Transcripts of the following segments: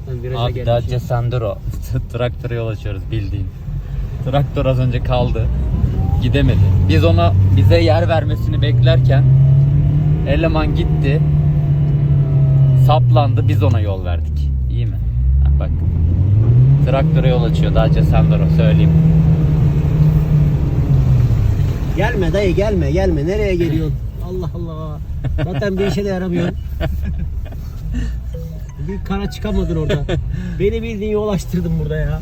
Zaten viraja Abi gelmiş. Dacia Sandero. Traktöre yol açıyoruz bildiğin. Traktör az önce kaldı. Gidemedi. Biz ona bize yer vermesini beklerken eleman gitti. Saplandı. Biz ona yol verdik. İyi mi? Ha, bak. Traktöre yol açıyor Dacia Sandero söyleyeyim. Gelme dayı gelme. Nereye geliyorsun? Allah Allah. Zaten bir işe de yaramıyor. Bir kara çıkamadın orada. Beni bildiğin yol açtırdın burada ya.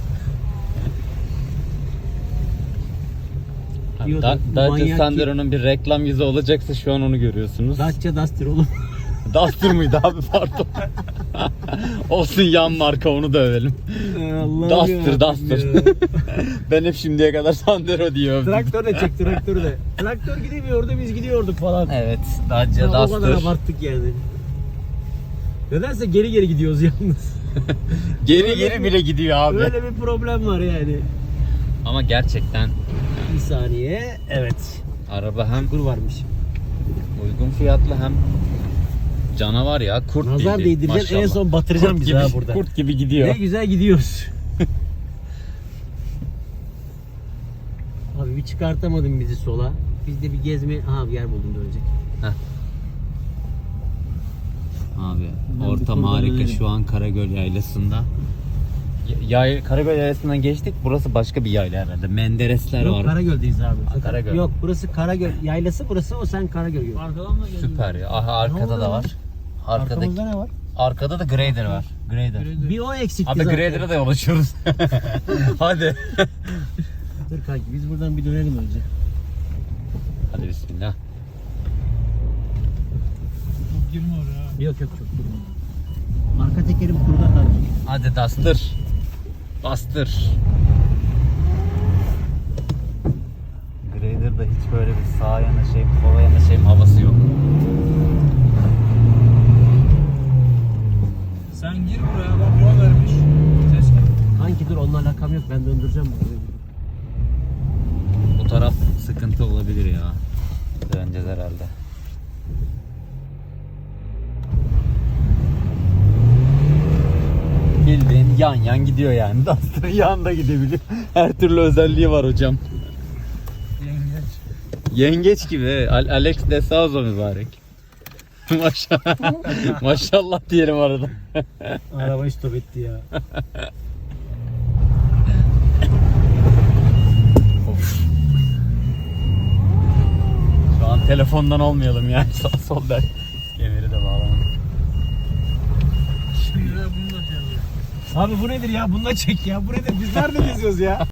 Dacia Sandero'nun bir reklam yüzü olacaksa şu an onu görüyorsunuz. Dacia Duster oğlum. Duster mıydı abi pardon. Olsun yan marka onu da övelim. Duster. Ben hep şimdiye kadar Sandero diye övdüm. Traktör de çek traktörü de. Traktör gidemiyordu biz gidiyorduk falan. Evet Dacia O Duster. kadar abarttık yani. Nedense geri gidiyoruz yalnız. Geri bile gidiyor abi. Böyle bir problem var yani. Ama gerçekten Bir saniye. Evet. araba hem Kur varmış. uygun fiyatlı hem canavar ya kurt Nazar bildiğin, değdireceksin en maşallah. son batıracaksın bizi ha burada. Kurt gibi gidiyor. Ne güzel gidiyoruz. Abi bir çıkartamadın bizi sola. Biz de bir gezme... Aha bir yer buldum dönecek. Abi Ben ortam bu harika konuda şu an Karagöl Yaylası'nda. Karagöl Yaylası'ndan geçtik. Burası başka bir yayla herhalde. Menderesler Yok var. Karagöl'deyiz abi. Karagöl. Yok burası Karagöl yaylası burası o sen Karagöl gör. Arkadan da geliyor. Süper ya. Aha arkada Ne da oldu var. Arkamızda ne var? Arkada da grader var. Grader. Bir o eksikti Abi zaten. grader'a da yol açıyoruz. Hadi. Dur kanki biz buradan bir dönelim önce. Hadi bismillah. Çok girme oraya. Yok çok durma. Arka tekerim kurda kanki. Hadi Duster. Bastır. Grader'da hiç böyle bir sağa yanaşayım, sola yanaşayım havası yok. Sen gir buraya bak yol vermiş. Ses gel. Kanki dur onunla alakam yok ben döndüreceğim bunu. Bu taraf sıkıntı olabilir ya. Döneceğiz herhalde. Bildiğin yan gidiyor yani. Duster'ın yanında gidebiliyor. Her türlü özelliği var hocam. Yengeç. Yengeç gibi. Alex de Souza mübarek. Maşallah. Maşallah diyelim arada. Arabayı stop etti ya. Şu an telefondan olmayalım yani sağ sol der. Kemeri de bağlamadım. Şimdi de bunu da şey yapıyor. Abi bu nedir ya? Bunu da çek ya. Bu nedir? Biz nerede geziyoruz ya?